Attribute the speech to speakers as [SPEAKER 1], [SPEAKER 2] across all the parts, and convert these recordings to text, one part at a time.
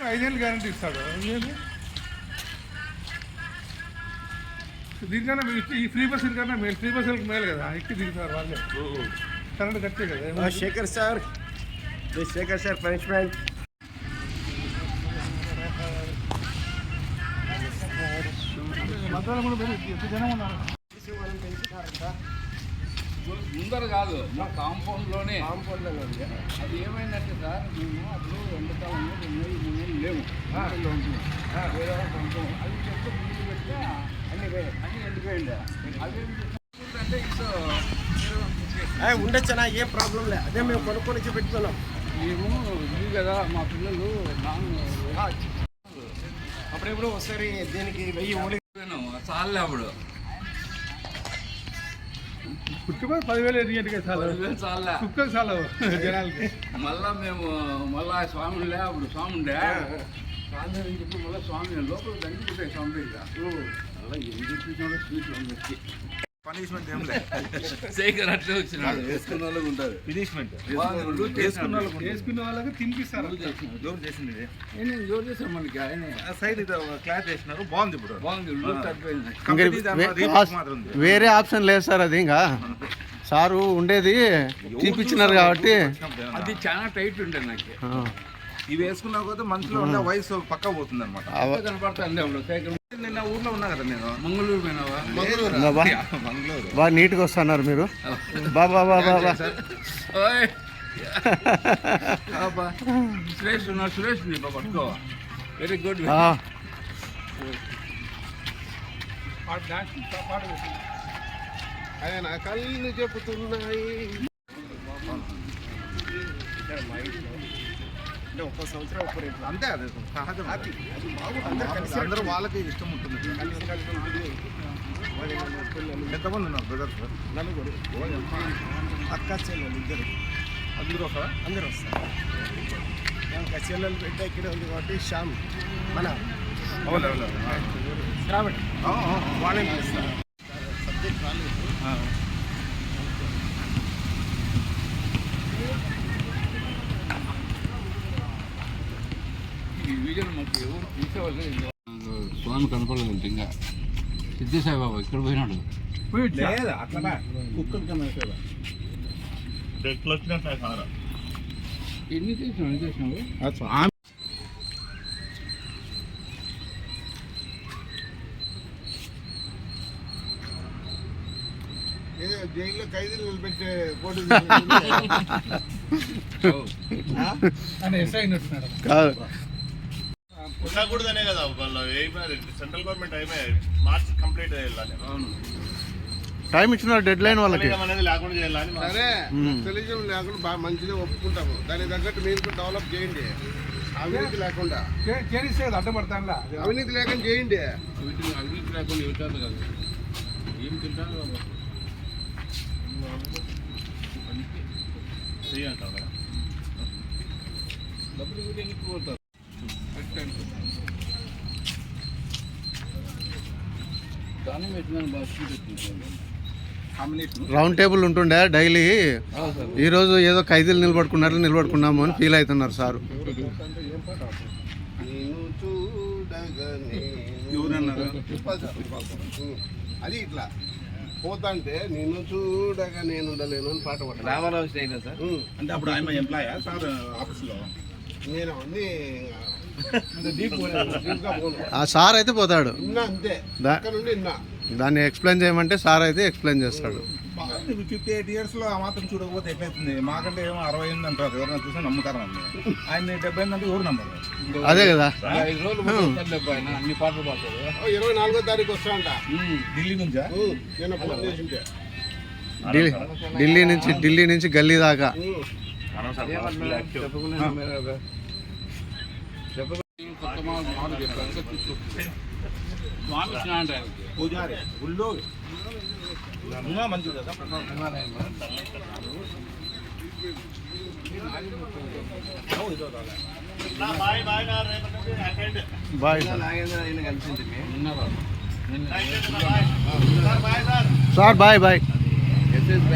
[SPEAKER 1] 5 ఏళ్ళు గ్యారంటీ ఇస్తాడు. దీనికన్నా ఈ ఫ్రీ బస్ కన్నా మేలు, ఫ్రీ బస్సులకు మేలు కదా, ఎక్కి దిగుతారు వాళ్ళే, కరెంట్ కట్టే కదా.
[SPEAKER 2] Shekhar sir punishment.
[SPEAKER 1] మధ్యాహ్నం కూడా ఎంత జనం ఉన్నారు.
[SPEAKER 3] ముందర కాదు, మా కాంపౌండ్లోనే. అది ఏమైందంటే సార్, మేము అప్పుడు ఎండాకాలంలో 2 నెలలు లేవు, వేరే కొంచెం అది చెప్తే ముందు పెడితే అన్ని వెళ్ళిపోయింది. అదేంటంటే ఇప్పుడు
[SPEAKER 2] ఉండొచ్చనా, ఏ ప్రాబ్లం లేదు. అదే మేము కొనుక్కొని పెట్టుకున్నాం.
[SPEAKER 3] మేము ఇది కదా, మా పిల్లలు
[SPEAKER 2] అప్పుడెప్పుడు ఒకసారి దీనికి 1000
[SPEAKER 3] చాలే అప్పుడు
[SPEAKER 1] పుట్టుకొని 10,000 ఎదిగేట్టుగా చాలా
[SPEAKER 3] చాలే,
[SPEAKER 1] కుక్కలు చాలా జనాలకి.
[SPEAKER 3] మళ్ళా స్వామి ఉండే, అప్పుడు స్వామి ఉండే స్వామి అని చెప్పి మళ్ళీ స్వామి లోపల దండి పెట్టాయి స్వామి దగ్గర. అలా ఏం చెప్పించాడో స్వీట్లు అందరికి
[SPEAKER 4] పనిష్మెంట్ ఏం లేదు.
[SPEAKER 3] శేఖర్ అట్లే వచ్చినాడు, వేసుకున్న వాళ్ళకి ఉంటుంది
[SPEAKER 4] పనిష్మెంట్.
[SPEAKER 1] వేసుకున్న వాళ్ళకి తినిపిస్తారు.
[SPEAKER 4] జోరు చేసింది
[SPEAKER 3] జోరు చేసాం మనకి. ఆయన
[SPEAKER 4] సైడ్ క్లాత్ చేసినారు, బాగుంది. ఇప్పుడు
[SPEAKER 3] బాగుంది.
[SPEAKER 5] వేరే ఆప్షన్ లేదు సార్. అది ఇంకా సారు ఉండేది తీపిచ్చినారు కాబట్టి
[SPEAKER 3] అది చాలా టైట్ ఉండే నాకు.
[SPEAKER 4] ఇవి వేసుకున్నా కూడా మనుషులో ఉన్న వయసు పక్క పోతుంది అనమాట.
[SPEAKER 3] కనపడతాను.
[SPEAKER 4] నిన్న ఊర్లో ఉన్నా కదా నేను,
[SPEAKER 3] మంగళూరు పోయినావా?
[SPEAKER 4] మంగళూరు
[SPEAKER 5] బాగా నీట్గా వస్తున్నారు మీరు. బాబా
[SPEAKER 3] సురేష్ ఉన్నారు, సురేష్ పట్టుకో. Very good.
[SPEAKER 2] ఆయన కళ్ళు చెబుతున్నాయి. అంటే 1 సంవత్సరం
[SPEAKER 4] అంతే, అది సహజం. అందరూ వాళ్ళకి ఇష్టం ఉంటుంది. ఎంతమంది ఉన్నారు బ్రదర్స్?
[SPEAKER 2] 4 అక్క చెల్లెలు 2.
[SPEAKER 4] అందరూ వస్తారా?
[SPEAKER 2] అందరూ వస్తారు. ఇంకా చెల్లెలు బిడ్డ ఇక్కడే ఉంది కాబట్టి శ్యామ్ మన శ్రావణ్ వాళ్ళని పిలుస్తారు. సబ్జెక్ట్ రాలేదు.
[SPEAKER 3] స్వామి కనపడలేదు ఇంకా. సిద్ధేసాయి బాబా ఇక్కడ పోయినాడు. ఎన్ని చేసినావు?
[SPEAKER 2] జైల్లో ఖైదీలు నిలబెట్టే పోటీ
[SPEAKER 6] ఉండకూడదనే కదా వాళ్ళు సెంట్రల్ గవర్నమెంట్ మార్చ్ కంప్లీట్ చేయాలని.
[SPEAKER 5] టైం ఇచ్చిన డెడ్ లైన్ వాళ్ళకి
[SPEAKER 6] లేకుండా చేయాలని.
[SPEAKER 2] సరే, తెలుగు లేకుండా బాగా మంచిగా ఒప్పుకుంటాము. దానికి తగ్గట్టు మీరు డెవలప్ చేయండి. అవినీతి లేకుండా
[SPEAKER 1] చేస్తే అడ్డపడతానులా,
[SPEAKER 2] అవినీతి లేకుండా చేయండి.
[SPEAKER 3] అవినీతి లేకుండా ఇవ్వటాను కదా, ఏం తింటాను డబ్బులు కూడా ఎన్నికి పోతారు.
[SPEAKER 5] రౌండ్ టేబుల్ ఉంటుండే డైలీ. ఈరోజు ఏదో ఖైదీలు నిలబడుకున్నాము అని ఫీల్ అవుతున్నారు సారు.
[SPEAKER 2] అది ఇట్లా పోతాంటే నేను చూడగా నేను ఉండలేను అని పాట పాడాలి.
[SPEAKER 3] Ramarao style sir.
[SPEAKER 4] అంటే అప్పుడు ఆయన ఎంప్లాయా సార్ ఆఫీస్లో?
[SPEAKER 2] నేను అన్నీ
[SPEAKER 5] ఆ సార్ అయితే పోతాడు.
[SPEAKER 2] అంతే,
[SPEAKER 5] దాన్ని ఎక్స్ప్లెయిన్ చేయమంటే సార్ అయితే ఎక్స్ప్లెయిన్ చేస్తాడు.
[SPEAKER 4] 58 years ఆ మాత్రం చూడకపోతే ఎట్లయితుంది? మాకంటే ఏమో 60 అంటారు, ఎవరైనా చూసినా నమ్ముతారు. ఆయన 70 అంటే ఎవరు నమ్మరు.
[SPEAKER 5] అదే కదా.
[SPEAKER 3] 5 రోజులు అన్ని పాటలు పాడతాడు.
[SPEAKER 2] 24వ తారీఖు వస్తాంట
[SPEAKER 4] ఢిల్లీ నుంచా?
[SPEAKER 5] ఢిల్లీ నుంచి గల్లీ దాకా.
[SPEAKER 4] పూజారి గుళ్ళో మంచిది కదా.
[SPEAKER 5] Bye sir. బాయ్.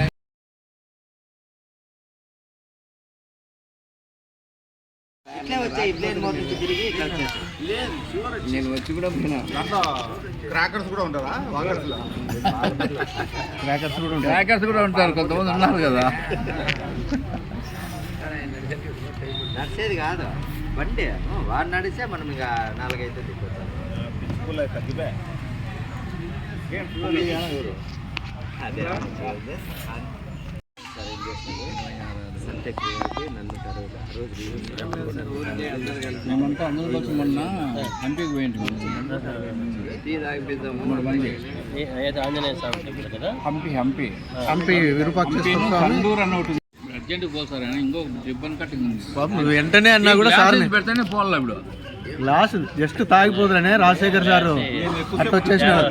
[SPEAKER 7] ఇట్లా
[SPEAKER 3] నేను వచ్చి కూడా పోయినా.
[SPEAKER 4] దాంట్లో క్రాకర్స్ కూడా ఉంటారా వాకర్స్లో?
[SPEAKER 3] హ్యాకర్స్ కూడా ఉంటారు, కొంతమంది ఉన్నారు కదా.
[SPEAKER 7] నడిచేది కాదు బండి, వాడు నడిస్తే మనం ఇక 4-5 తిప్పుతాం. అదే సరే ఏం చేస్తాను సంతెక్ నన్ను
[SPEAKER 3] మేమంతా అందరూ వచ్చి మొన్న హంపీకి పోయింటి.
[SPEAKER 7] టీ తాగిపిద్దాము.
[SPEAKER 3] 3 మంది
[SPEAKER 8] ఆంజనేయ స్వామి టెంపుల్ కదా.
[SPEAKER 5] హంపి విరూపాక్షేశ్వర స్వామి.
[SPEAKER 3] కందూరు అన్న ఒకటి అర్జెంట్ పోతారని ఇంకో రిబ్బన్ కటింగ్ ఉంది.
[SPEAKER 5] పాపం నువ్వు వెంటనే అన్నా కూడా సార్
[SPEAKER 3] పెడితేనే పోవాలా ఇప్పుడు.
[SPEAKER 5] లాస్ట్ జస్ట్ తాగిపోదురనే రాజశేఖర్ సారు అట్ట వచ్చేసినారు.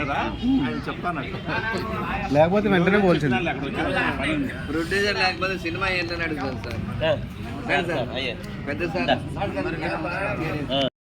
[SPEAKER 5] లేకపోతే వెంటనే పోల్చింది.
[SPEAKER 7] ప్రొడ్యూసర్ లేకపోతే సినిమా ఏంటని అడుగుతాను సార్. పెద్ద సార్